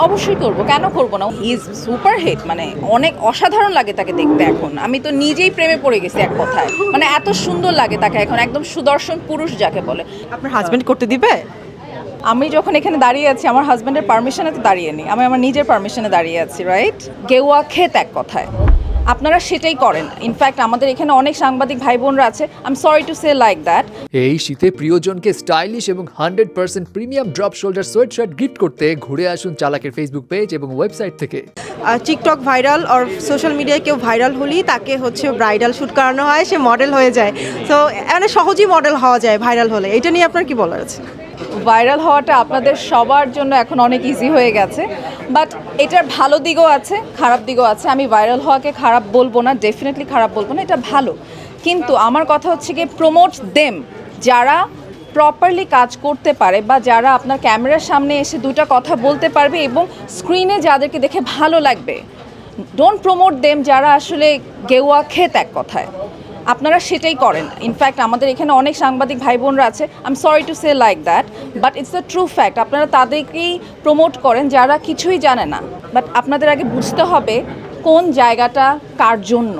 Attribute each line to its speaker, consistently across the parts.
Speaker 1: অবশ্যই করব, কেন করব না? হি ইজ সুপার হিট, মানে অনেক অসাধারণ লাগে তাকে দেখতে। এখন আমি তো নিজেই প্রেমে পড়ে গেছি এক কথায়, মানে এত সুন্দর লাগে তাকে এখন, একদম সুদর্শন পুরুষ যাকে বলে।
Speaker 2: আপনার হাজবেন্ড করতে দিবে?
Speaker 1: আমি যখন এখানে দাঁড়িয়ে আছি আমার হাজব্যান্ডের পারমিশনে তো দাঁড়িয়ে নেই, আমি আমার নিজের পারমিশনে দাঁড়িয়ে আছি, রাইট? গেওয়া খেত এক কথায়, আপনারা সেটাই করেন। ইনফ্যাক্ট আমাদের এখানে অনেক সাংবাদিক ভাই বোনরা আছে, I am sorry to say like that.
Speaker 3: এই শীতে প্রিয়জনকে স্টাইলিশ এবং 100% premium drop shoulder sweatshirt gift করতে ঘুরে আসুন চালাকের ফেসবুক পেজ এবং ওয়েবসাইট থেকে।
Speaker 2: টিকটক ভাইরাল আর সোশ্যাল মিডিয়ায় কেউ ভাইরাল হলেই তাকে ব্রাইডাল শ্যুট করানো হয়, সে মডেল হয়ে যায়। তো মানে সহজেই মডেল হওয়া যায় ভাইরাল হলে, এটা নিয়ে আপনার কি বলার আছে?
Speaker 1: ভাইরাল হওয়াটা আপনাদের সবার জন্য এখন অনেক ইজি হয়ে গেছে, বাট এটার ভালো দিকও আছে, খারাপ দিকও আছে। আমি ভাইরাল হওয়াকে খারাপ বলবো না, ডেফিনেটলি খারাপ বলবো না, এটা ভালো। কিন্তু আমার কথা হচ্ছে কি, প্রমোট দেম যারা প্রপারলি কাজ করতে পারে, বা যারা আপনার ক্যামেরার সামনে এসে দুটা কথা বলতে পারবে এবং স্ক্রিনে যাদেরকে দেখে ভালো লাগবে। ডোন্ট প্রমোট দেম যারা আসলে গেওয়া খেত এক কথায়, আপনারা সেটাই করেন। ইনফ্যাক্ট আমাদের এখানে অনেক সাংবাদিক ভাই বোনরা আছে, I am sorry to say like that, but it's the true fact. আপনারা তাদেরকেই প্রমোট করেন যারা কিছুই জানে না, বাট আপনাদের আগে বুঝতে হবে কোন জায়গাটা কার জন্য,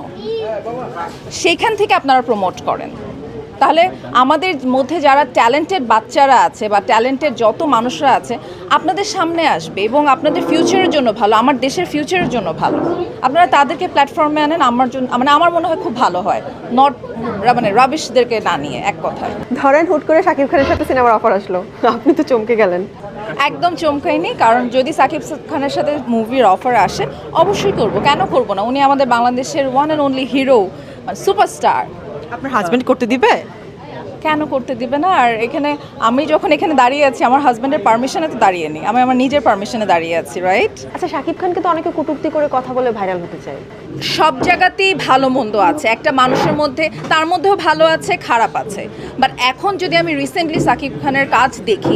Speaker 1: সেইখান থেকে আপনারা প্রমোট করেন। তাহলে আমাদের মধ্যে যারা ট্যালেন্টেড বাচ্চারা আছে বা ট্যালেন্টেড যত মানুষরা আছে আপনাদের সামনে আসবে এবং আপনাদের ফিউচারের জন্য ভালো, আমার দেশের ফিউচারের জন্য ভালো। আপনারা তাদেরকে প্ল্যাটফর্মে আনেন, আমার জন্য মানে আমার মনে হয় খুব ভালো হয়, নট মানে রাবিশদেরকে না নিয়ে, এক কথায়।
Speaker 2: ধরেন হুট করে শাকিব খানের সাথে সিনেমার অফার আসলো, আপনি তো চমকে গেলেন।
Speaker 1: একদম চমকাইনি, কারণ যদি সাকিব খানের সাথে মুভির অফার আসে অবশ্যই করব, কেন করব না? উনি আমাদের বাংলাদেশের one and only hero, superstar.
Speaker 2: আপনার হাজবেন্ড করতে দিবে?
Speaker 1: কেন করতে দিবে না? আর এখানে আমি যখন এখানে দাঁড়িয়ে আছি আমার হাজব্যান্ডের পারমিশনে তো দাঁড়িয়ে নেই, আমি আমার নিজের পারমিশনে দাঁড়িয়ে আছি, রাইট?
Speaker 4: আচ্ছা, শাকিব খানকে তো অনেকে কটূক্তি করে কথা বলে ভাইরাল হতে চায়।
Speaker 1: সব জায়গাতেই ভালো মন্দ আছে, একটা মানুষের মধ্যে, তার মধ্যেও ভালো আছে খারাপ আছে। বাট এখন যদি আমি রিসেন্টলি সাকিব খানের কাজ দেখি,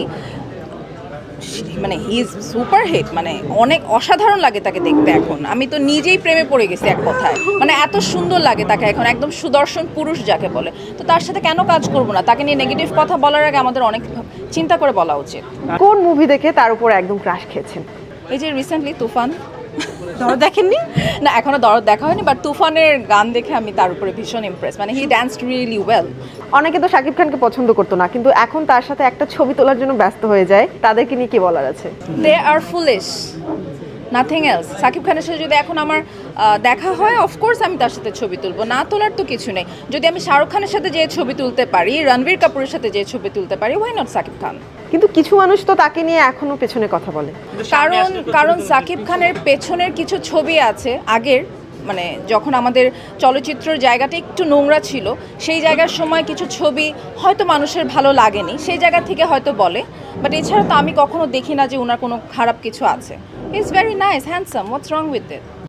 Speaker 1: মানে হি ইজ সুপার হিট, মানে অনেক অসাধারণ লাগে তাকে দেখতে এখন। আমি তো নিজেই প্রেমে পড়ে গেছি এক কথায়, মানে এত সুন্দর লাগে তাকে এখন, একদম সুদর্শন পুরুষ যাকে বলে। তো তার সাথে কেন কাজ করব না? তাকে নিয়ে নেগেটিভ কথা বলার আগে আমাদের অনেক চিন্তা করে বলা উচিত।
Speaker 4: কোন মুভি দেখে তার উপর একদম ক্রাশ খেয়েছেন?
Speaker 1: এই যে রিসেন্টলি তুফান।
Speaker 2: দরদ দেখেননি?
Speaker 1: না, এখনো দরদ দেখা হয়নি, বাট তুফানের গান দেখে আমি তার উপরে ভীষণ ইমপ্রেস, মানে হি ড্যান্সড রিয়েলি ওয়েল।
Speaker 4: অনেকে তো শাকিব খানকে পছন্দ করতো না, কিন্তু এখন তার সাথে একটা ছবি তোলার জন্য ব্যস্ত হয়ে যায়, তাদেরকে নিয়ে কি বলার আছে?
Speaker 1: They are foolish, nothing else. Shakib খানের সাথে যদি এখন আমার দেখা হয়, অফকোর্স আমি তার সাথে ছবি তুলবো, না তোলার তো কিছু নেই। যদি আমি শাহরুখ খানের সাথে যে ছবি তুলতে পারি, রণবীর কাপুরের সাথে যে ছবি তুলতে পারি, ওয়াই নট সাকিব খান?
Speaker 4: কিন্তু কিছু মানুষ তো তাকে নিয়ে এখনো পেছনে কথা বলে।
Speaker 1: কারণ সাকিব খানের পেছনের কিছু ছবি আছে আগের, মানে যখন আমাদের চলচ্চিত্রের জায়গাটা একটু নোংরা ছিল, সেই জায়গার সময় কিছু ছবি হয়তো মানুষের ভালো লাগেনি, সেই জায়গা থেকে হয়তো বলে। বাট এছাড়া তো আমি কখনো দেখি না যে ওনার কোনো খারাপ কিছু আছে। He is very nice, handsome, what's wrong with it?